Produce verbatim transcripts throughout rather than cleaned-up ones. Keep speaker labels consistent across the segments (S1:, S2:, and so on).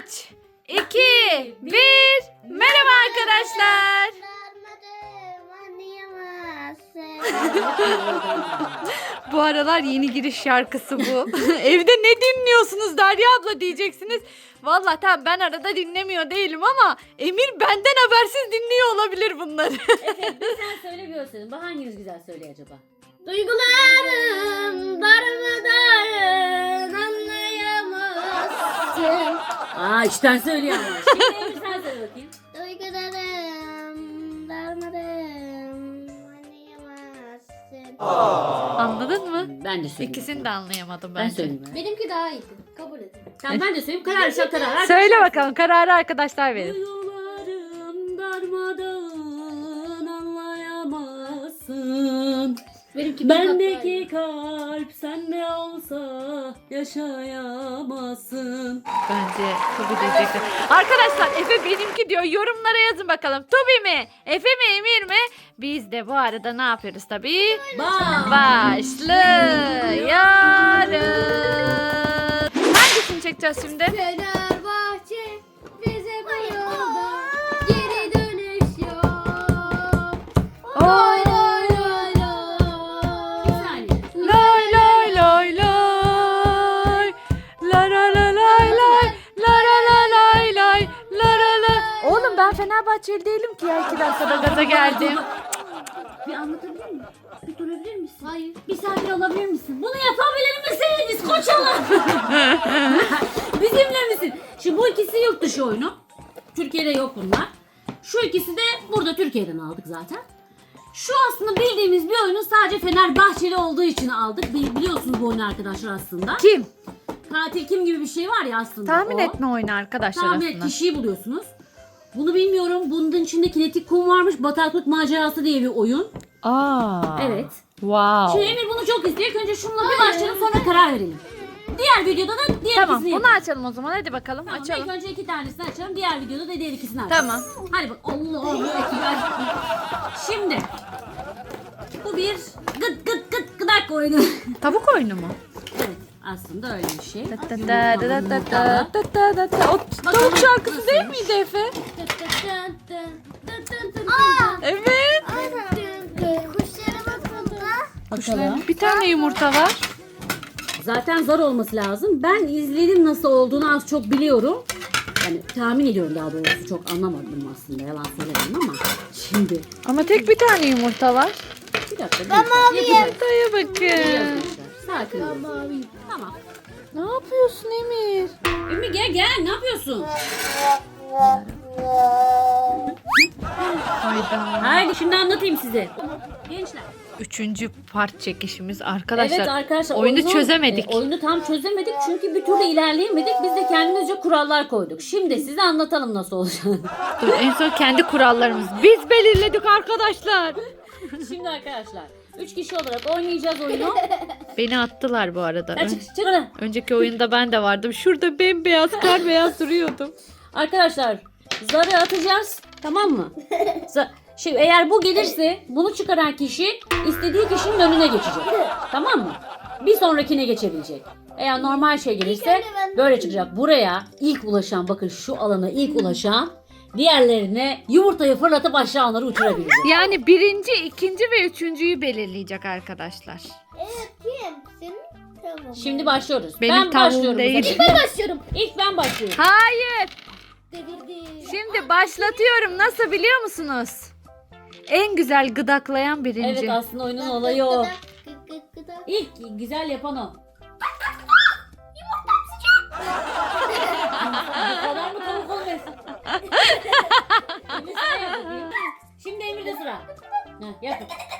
S1: üç, iki, bir. Merhaba arkadaşlar. Bu aralar yeni giriş şarkısı bu. Evde ne dinliyorsunuz Derya abla diyeceksiniz. Vallahi tamam, ben arada dinlemiyor değilim ama Emir benden habersiz dinliyor olabilir bunları.
S2: Evet, sen söyle bir ölçelim. Bu hanginiz güzel söylüyor acaba? Duygularım darmadağın anlayamazsın. Aa, içten söylüyor ama. Şimdi Emir sen söyle bakayım.
S3: Duygularım darmadağın anlayamazsın.
S1: Anladın mı?
S2: Ben de söyleyeyim.
S1: İkisini de anlayamadım
S2: Ben
S1: bence.
S2: söyleyeyim.
S3: Benimki daha iyiydi. Kabul edin.
S2: Tamam, ben de söyleyeyim. Karar şak karar.
S1: Söyle bakalım, kararı arkadaşlar verin.
S2: Duygularım darmadağın anlayamazsın.
S3: Benimki
S2: Bendeki kalp sende olsa yaşayamazsın.
S1: Bence Tobi diyecekler. Arkadaşlar Efe benimki diyor. Yorumlara yazın bakalım. Tobi mi? Efe mi? Emir mi? Biz de bu arada ne yapıyoruz tabii?
S2: Bak.
S1: Başlıyoruz. Hangisini çekeceğiz şimdi?
S3: Fenerbahçe bize bu yolda geri dönüş yok. Lay lay lay
S2: Bir
S3: lay.
S2: saniye.
S1: Lay lay lay lay. La la la lay lay. La la la lay lay. La la la. Oğlum ben Fenerbahçeli değilim ki ya. iki dakikada gaza geldim.
S2: Bir anlatabilir miyim? Bir durabilir misin?
S3: Hayır.
S2: Bir sakin olabilir misin? Bunu yapabilir misiniz koçalar? Bizimle misin? Şimdi bu ikisi yurt dışı oyunu. Türkiye'de yok bunlar. Şu ikisi de burada Türkiye'den aldık zaten. Şu aslında bildiğimiz bir oyunu sadece Fenerbahçeli olduğu için aldık. Bili- Biliyorsunuz bu oyunu arkadaşlar aslında.
S1: Kim?
S2: Katil kim gibi bir şey var ya aslında.
S1: Tahmin
S2: o.
S1: etme oyunu arkadaşlar
S2: Tahmin et,
S1: aslında.
S2: kişiyi buluyorsunuz. Bunu bilmiyorum. Bunun içinde kinetik kum varmış. Bataklık macerası diye bir oyun.
S1: Aa.
S2: Evet.
S1: Wow.
S2: Şimdi Emir bunu çok istiyor. İlk önce şununla bir başlayalım, sonra karar verelim. Diğer videoda da diğer
S1: Tamam,
S2: ikisini
S1: bunu
S2: yapalım.
S1: açalım o zaman. Hadi bakalım,
S2: Tamam,
S1: açalım.
S2: ilk önce iki tanesini açalım. Diğer videoda da diğer ikisini açalım.
S1: Tamam.
S2: Hadi bak. Allahu Ekber. Şimdi bu bir gıt gıt gıt gıdak oyunu.
S1: Tavuk oyunu mu?
S2: Evet, aslında öyle bir şey.
S1: Da da da da da da da da da da. O tavuk şarkısı değil miydi Efe?
S3: Aa!
S1: Evet.
S3: Kuşlarımız burada.
S2: Bakalım.
S1: Bir tane yumurta var.
S2: Zaten zar olması lazım. Ben izledim nasıl olduğunu az çok biliyorum. Yani tahmin ediyorum daha doğrusu. Çok anlamadım aslında. Yalan söylemem ama. Şimdi.
S1: Ama tek bir tane yumurta var.
S2: Bir dakika.
S3: Ben maviyim.
S1: Yumurtaya bakın.
S2: Sakin ol. Tamam.
S1: Ne yapıyorsun Emir?
S2: Ümmü gel gel. Ne yapıyorsun?
S1: Hayda.
S2: Haydi şimdi anlatayım size. Gençler.
S1: Üçüncü part çekişimiz arkadaşlar.
S2: Evet arkadaşlar.
S1: Oyunu
S2: oyunu-
S1: çözemedik.
S2: e, oyunu tam çözemedik çünkü bir türlü ilerleyemedik. Biz de kendimizce kurallar koyduk. Şimdi size anlatalım nasıl olacağını.
S1: Dur, en son kendi kurallarımız. Biz belirledik arkadaşlar.
S2: Şimdi arkadaşlar. Üç kişi olarak oynayacağız oyunu.
S1: Beni attılar bu arada.
S2: Hadi çık çık oradan.
S1: Önceki oyunda ben de vardım. Şurada bembeyaz kar beyaz duruyordum.
S2: Arkadaşlar zarı atacağız. Tamam mı? Za- Şimdi eğer bu gelirse bunu çıkaran kişi istediği kişinin önüne geçecek. Tamam mı? Bir sonrakine geçebilecek. Eğer normal şey gelirse böyle çıkacak. Buraya ilk ulaşan, bakın şu alana ilk ulaşan diğerlerine yumurtayı fırlatıp aşağı onları uçurabilecek.
S1: Yani birinci, ikinci ve üçüncüyü belirleyecek arkadaşlar.
S3: Evet, kim? Senin tavuğun.
S2: Şimdi başlıyoruz.
S1: Benim
S2: ben
S1: tavuğum
S2: başlıyorum.
S1: değil.
S2: bu sefer.
S3: Ben başlıyorum.
S2: İlk ben başlıyorum.
S1: Hayır.
S3: Dedirdi.
S1: Şimdi başlatıyorum. Nasıl biliyor musunuz? En güzel gıdaklayan birinci.
S2: Evet, aslında oyunun olayı o.
S3: Gıdak, gık gık gıdak.
S2: İlk güzel yapan o. Bu kadar mı tavuk olmasın? Emir sen yap bakayım. Şimdi Emir'de sıra. Heh, yap.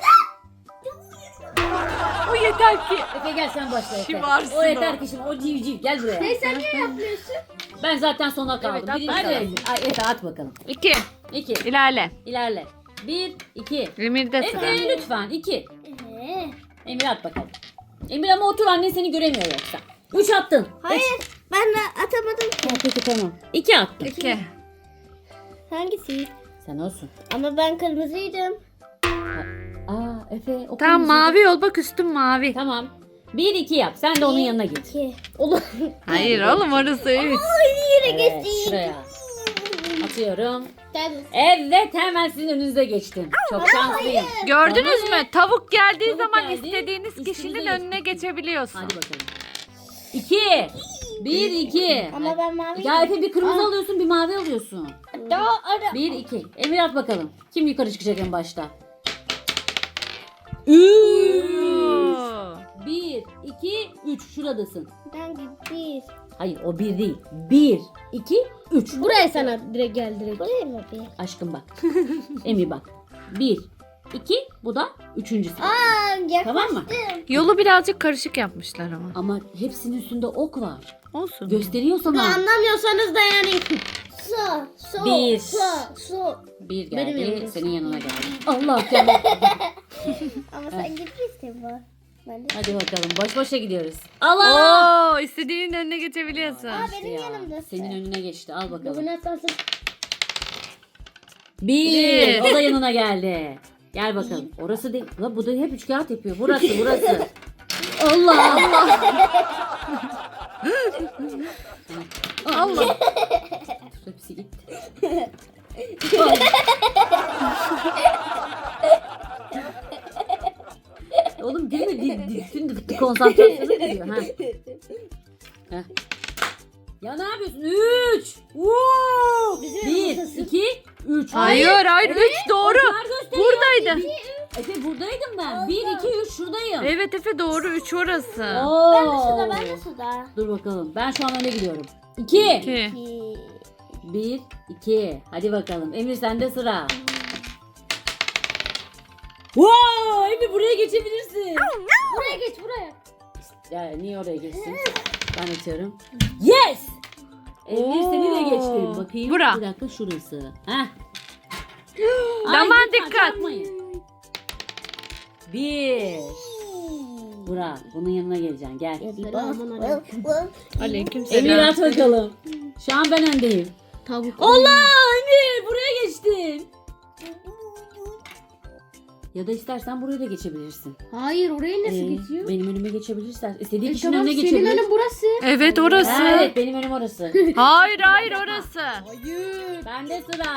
S1: O yeter ki.
S2: Efe gel sen başla Efe.
S1: Şımarsın
S2: O yeter
S1: o.
S2: ki şimdi o civciv gel buraya.
S3: Hey, sen ne yapıyorsun?
S2: Ben zaten sona kaldım.
S1: Evet, at
S2: Birinci
S1: bakalım.
S2: de Emir. Ay Efe at bakalım.
S1: İki.
S2: İki.
S1: İlerle.
S2: İlerle. Bir, iki.
S1: Emir'de sıra.
S2: Efe lütfen iki.
S3: Ee,
S2: Emir at bakalım. Emir ama otur, annen seni göremiyor yoksa. Üç attın.
S3: Hayır, ben de atamadım ki.
S2: Ha, peki tamam. İki attın.
S1: İki.
S3: Hangisi?
S2: Sen olsun.
S3: Ama ben kırmızıydım.
S2: Aa Efe o
S1: Tamam,
S2: kırmızı.
S1: mavi ol, bak üstüm mavi.
S2: Tamam. Bir iki yap. Sen de onun yanına git.
S3: İki. Olur.
S1: Hayır oğlum, orası üç.
S3: Hayır, nereye
S2: Evet,
S3: geçti?
S2: şuraya. Atıyorum.
S3: Tabii.
S2: Evet, hemen sizin önünüze geçtim. Çok şanslıyım.
S1: Gördünüz
S2: Tamam.
S1: mü? Tavuk geldiği
S2: Tavuk
S1: zaman
S2: geldi,
S1: istediğiniz
S2: üstünüze
S1: kişinin
S2: geçti.
S1: önüne geçebiliyorsun.
S2: Hadi bakalım. İki. Bir, iki.
S3: Ama ben mavi.
S2: Ya Efe bir kırmızı alıyorsun, bir mavi alıyorsun.
S3: Daha ara.
S2: Bir, iki. Emir at bakalım. Kim yukarı çıkacak en başta? Üç.
S1: Oo.
S2: Bir, iki, üç. Şuradasın.
S3: Hangi bir?
S2: Hayır, o bir değil. Bir, iki, üç.
S3: Buraya sana direkt gel direkt. Buraya mı bir?
S2: Aşkım bak. Emir bak. Bir, iki. Bu da üçüncüsü.
S3: Aa, yaklaştım.
S2: Tamam mı?
S1: Yolu birazcık karışık yapmışlar ama.
S2: Ama hepsinin üstünde ok var.
S1: Olsun.
S2: Gösteriyor sana.
S3: Anlamıyorsanız da yani. Su, su,
S2: Bir.
S3: su, su.
S2: Bir
S3: Benim
S2: geldi,
S3: yanımda.
S2: senin yanına geldi. Allah canım.
S3: Ama sen gitmişsin bu. Ben de.
S2: Hadi bakalım, boş boşa gidiyoruz. Allah!
S1: Oo, istediğinin önüne geçebiliyorsun.
S3: Aa, benim
S2: Ya,
S3: yanımda.
S2: senin önüne geçti. Al bakalım.
S3: Bugün atlarsın.
S2: Bir.
S1: Bir.
S2: O da yanına geldi. Gel bakalım. Orası değil. La bu da hep üç kağıt yapıyor. Burası, burası. Allah Allah.
S1: Allah.
S2: Hepsi gitti. Oğlum değil mi? Di, di, bütün konsantrasyonu gidiyor. Ha. Heh. Ya ne yapıyorsun? Üç. Woo! Bir, iki, üç.
S1: Hayır hayır üç doğru.
S2: Onlar gösteriyor.
S1: Buradaydı.
S2: Efe buradaydım ben. Bir, iki, üç şuradayım.
S1: Evet Efe doğru üç orası.
S2: Oo.
S3: Ben de suda, ben de suda.
S2: Dur bakalım. Ben şu an öne gidiyorum. İki.
S1: İki.
S2: Bir, iki. Hadi bakalım. Emir sende sıra. Wow! Emir buraya geçebilirsin.
S3: Buraya geç buraya.
S2: Ya niye oraya geçsin? Ben açıyorum. Yes! Emir seni de geçtim. Bakayım.
S1: Bura.
S2: Bir dakika şurası. Heh.
S1: Aman
S2: Ay, lütfen
S1: dikkat.
S2: çarpmayın. Bir. Burak bunun yanına geleceksin. Gel.
S1: Aleyküm
S2: Emir
S1: selam.
S2: at bakalım. Şu an ben öndeyim.
S3: Tavuk.
S2: Allah Emir buraya geçtin. Ya da istersen buraya da geçebilirsin.
S3: Hayır oraya nasıl
S2: Ee,
S3: geçiyor?
S2: Benim önüme geçebilirsin. İstediğin
S3: E,
S2: kişinin
S3: tamam,
S2: önüne
S3: senin
S2: geçebilir.
S3: önün burası.
S1: Evet orası.
S2: Ha, evet benim önüm orası.
S1: Hayır hayır orası.
S2: Hayır. Bende sıra.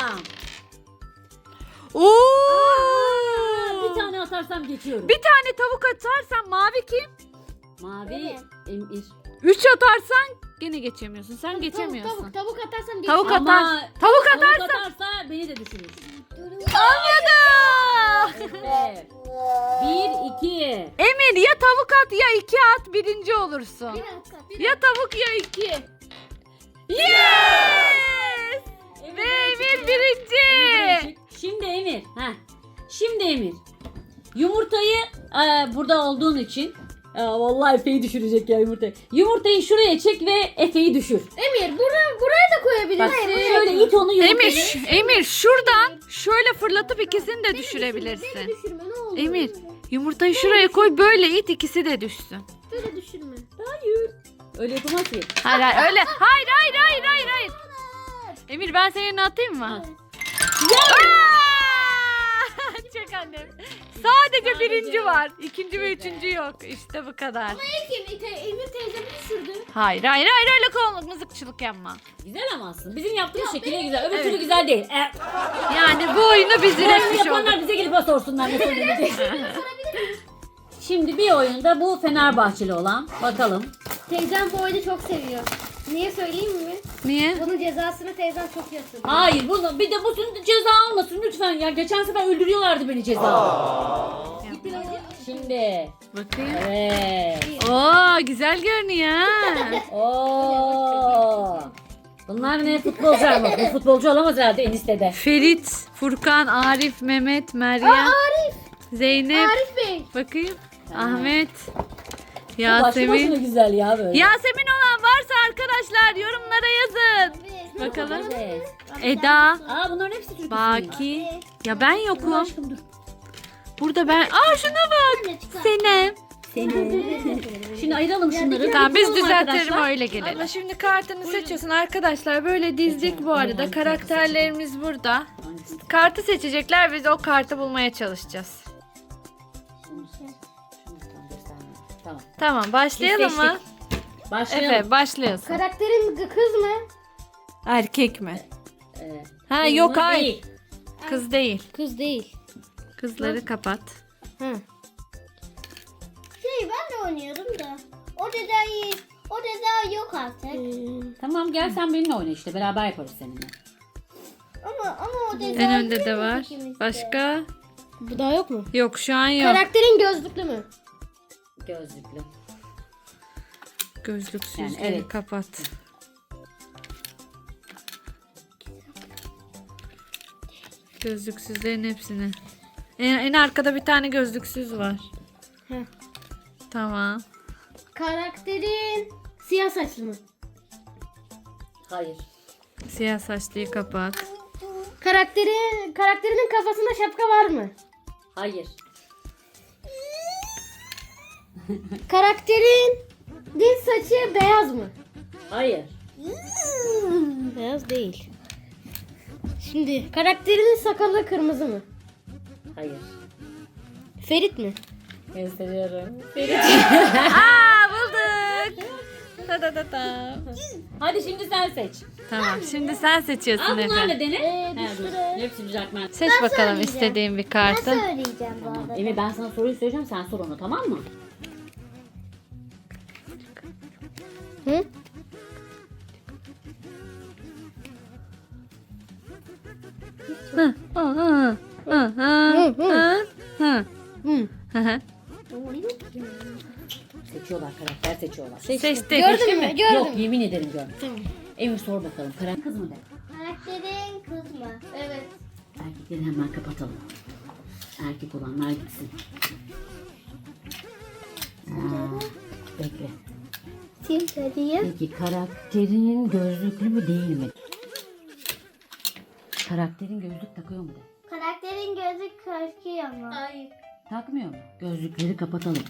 S1: Oo.
S2: Bir tane atarsam geçiyorum.
S1: Bir tane tavuk atarsan mavi kim?
S2: Mavi
S3: Evet.
S2: Emir.
S1: Üç atarsan gene geçemiyorsun. Sen geçemiyorsun.
S3: Tavuk, tavuk, tavuk atarsan
S1: Tavuk
S2: Ama
S1: atar. Tavuk
S2: tavuk
S1: atarsan.
S2: atarsa beni de düşürür.
S1: Anladım.
S2: Evet. Bir, iki.
S1: Emir ya tavuk at ya iki at birinci olursun. Ya tavuk ya iki. Yes! Ve Emir birinci.
S2: Şimdi Emir. Heh. Şimdi Emir. Yumurtayı e, burada olduğun için e, vallahi Efe'yi düşürecek ya yumurtayı. Yumurtayı şuraya çek ve Efe'yi düşür.
S3: Emir buraya, buraya da koyabilirsin.
S2: Bak şöyle it onu yumurtayı.
S1: Emir, ş- Emir şuradan şöyle fırlatıp ikisini de düşürebilirsin.
S3: Düşürme ne olur.
S1: Emir, yumurtayı şuraya koy böyle it ikisi de düşsün.
S3: Böyle düşürme.
S2: Hayır. Öyle yapamaz ki.
S1: Hayır hayır öyle. Hayır hayır hayır hayır hayır. Emir ben senin yerine atayım mı? Aa! Çek annem. Sadece birinci var. İkinci ve üçüncü yok. İşte bu kadar.
S3: Peki Emir teyzemi düşürdü.
S1: Hayır hayır hayır öyle kolluk mızıkçılık yapma.
S2: Güzel ama aslında. Bizim yaptığımız şekilde güzel. Öbür türlü güzel değil. E,
S1: Yani bu oyunu biz
S2: bu oyunu
S1: üretmiş olduk.
S2: yapanlar bize gelip sorsunlar ne söylenecek. Şimdi bir oyunda bu Fenerbahçeli olan. Bakalım.
S3: Teyzem bu oyunu çok seviyor. Niye söyleyeyim mi?
S1: Niye?
S3: Bunun cezasını teyzem çok yatırdı.
S2: Hayır bunu bir de bu ceza almasın lütfen ya. Geçen sefer öldürüyorlardı beni ceza. Şimdi.
S1: Bakayım.
S2: Evet.
S1: Oo güzel görünüyor.
S2: Oo. Bunlar ne futbolcu ama bu futbolcu olamaz herhalde eniştede.
S1: Ferit, Furkan, Arif, Mehmet, Meryem,
S3: Arif.
S1: Zeynep.
S3: Arif Bey.
S1: Bakayım.
S2: Tamam.
S1: Ahmet.
S2: Bu başlı başına
S1: Yasemin.
S2: güzel ya böyle.
S1: Yasemin olan varsa arkadaşlar yorumlara yazın. Bakalım.
S2: Evet.
S1: Eda,
S2: Aa bunların hepsi Türk ismi.
S1: Baki. Ya ben
S2: Dur
S1: yokum.
S2: aşkım dur.
S1: Burada ben. Aa şuna bak. Senem.
S2: Şimdi ayıralım şunları.
S1: Tamam biz
S2: Bakalım
S1: düzeltelim
S2: arkadaşlar.
S1: öyle gelelim. Ama şimdi kartını seçiyorsun arkadaşlar. Böyle dizdik bu arada. Karakterlerimiz burada.
S2: Hangisi?
S1: Kartı seçecekler. Biz o kartı bulmaya çalışacağız.
S2: Tamam.
S1: Tamam başlayalım
S2: Biz
S1: mı?
S2: seçtik. Başlayalım.
S1: Efe başlıyorsun.
S3: Karakterin kız mı?
S1: Erkek mi?
S2: Ee,
S1: Ha
S2: kız
S1: yok
S2: mı?
S1: hayır.
S2: Değil.
S1: Kız değil.
S3: Kız değil.
S1: Kızları kapat.
S3: Ha. Şey ben de oynuyordum da. O dedayı, o deda yok artık.
S2: Tamam gel sen benimle oyna işte. Beraber yaparız seninle.
S3: Ama ama o deda
S1: En önde de var. Başka?
S3: Bu daha yok mu?
S1: Yok şu an yok.
S3: Karakterin gözlüklü mü?
S2: Gözlüklü.
S1: Gözlüksüzleri
S2: Yani evet.
S1: kapat. Gözlüksüzlerin hepsini. En, en arkada bir tane gözlüksüz var.
S3: Heh.
S1: Tamam.
S3: Karakterin siyah saçlı mı?
S2: Hayır.
S1: Siyah saçlıyı kapat.
S3: Karakteri, karakterinin kafasında şapka var mı?
S2: Hayır.
S3: Karakterin dil saçı beyaz mı?
S2: Hayır.
S3: Beyaz değil. Şimdi karakterinin sakalı kırmızı mı?
S2: Hayır.
S3: Ferit mi?
S2: Gösteriyorum.
S1: Aa bulduk. Ta ta ta ta.
S2: Hadi şimdi sen seç.
S1: Tamam şimdi sen seçiyorsun
S2: Al bunlarla
S1: Efe.
S2: dene.
S3: Ee, bir
S2: He, dur.
S3: sürü.
S2: Hepsi düzeltmen.
S1: Seç bakalım
S3: söyleyeceğim.
S1: istediğin bir
S3: Ben
S1: kartı.
S3: söyleyeceğim bu arada.
S2: Emir ben sana soruyu söyleyeceğim sen sor onu tamam mı?
S3: Hı?
S1: Hı, hı, hı, hı, hı, hı, hı.
S3: Hı.
S1: Hı hı.
S2: Seçiyorlar karakter seçiyorlar.
S1: Seçtik.
S3: Gördün mü? Gördüm.
S2: Yok yemin ederim görmedim.
S3: Tamam.
S2: Emir sor bakalım. Karakter kız mı de?
S3: Karakterin kız mı? Evet.
S2: Erkekleri hemen kapatalım. Erkek olanlar gitsin. Aa, bekle.
S3: Kim söyleyeyim?
S2: Peki karakterin gözlüklü mü değil mi? Karakterin gözlük takıyor mu de?
S3: Karakterin gözü korkuyor mu? Hayır.
S2: Takmıyor mu? Gözlükleri kapatalım.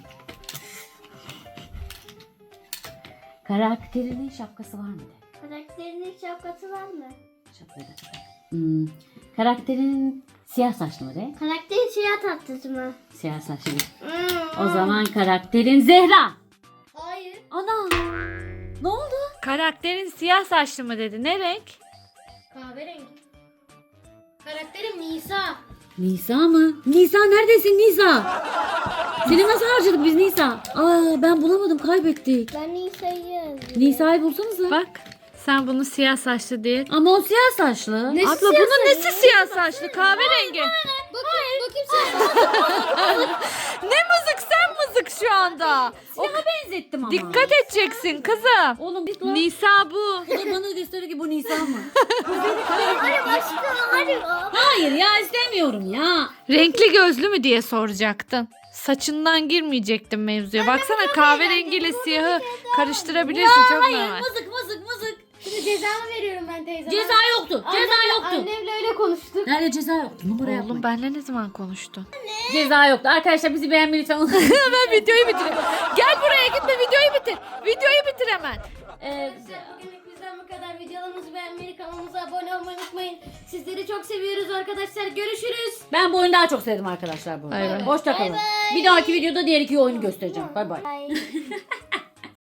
S2: Karakterinin şapkası var mı de?
S3: Karakterinin şapkası var mı?
S2: Şapkayı da kapat. Hmm. Karakterinin siyah saçlı mı de?
S3: Karakterin siyah tatlısı mı?
S2: Siyah saçlı.
S3: Hmm.
S2: O zaman karakterin Zehra.
S3: Hayır.
S2: Ana. Ne oldu?
S1: Karakterin siyah saçlı mı dedi? Ne renk?
S3: Kahverengi. Karakterim Nisa.
S2: Nisa mı? Nisa neredesin Nisa? Seni nasıl harcadık biz Nisa? Aa ben bulamadım kaybettik.
S3: Ben Nisa'yı yazdım.
S2: Nisa'yı bulsanıza.
S1: Bak sen bunu siyah saçlı diye.
S2: Ama o siyah saçlı.
S1: Abla bunun nesi siyah saçlı? Kahverengi.
S3: Bakayım, bakayım sen.
S1: Ne mızık sen mızık şu anda. O,
S2: Siyaha benzettim ama.
S1: dikkat edeceksin kızım.
S2: Oğlum git lan.
S1: Nisa bu.
S2: Bu da bana gösteriyor ki bu Nisa mı?
S3: Hadi başka, hadi.
S2: Hayır ya istemiyorum ya.
S1: Renkli gözlü mü diye soracaktın. Saçından girmeyecektim mevzuya. Baksana kahverengiyle siyahı karıştırabilirsin çok normal.
S2: Mızık mızık mızık.
S3: Şimdi cezamı veriyorum ben teyzeme.
S2: Ceza yoktu. Ceza
S3: Annemle-
S2: yoktu.
S3: Annemle öyle konuştuk.
S2: Nerede ceza yoktu? Numara
S1: Oğlum
S2: yapmayın.
S1: benle ne zaman konuştun?
S2: Ceza yoktu. Arkadaşlar bizi beğenmeyi lütfen unutmayın.
S1: Hemen videoyu bitir. Gel buraya gitme videoyu bitir. Videoyu bitir hemen.
S2: Ee,
S3: Bugünlük bizden bu kadar. Videolarımızı beğenmeyi, kanalımıza abone olmayı unutmayın. Sizleri çok seviyoruz arkadaşlar. Görüşürüz.
S2: ben bu oyunu daha çok sevdim arkadaşlar bu
S1: Bay bay.
S2: oyunu. Hoşça kalın.
S3: Bay bay.
S2: Bir dahaki videoda diğer iki oyunu göstereceğim. Bay bay.
S3: Bye.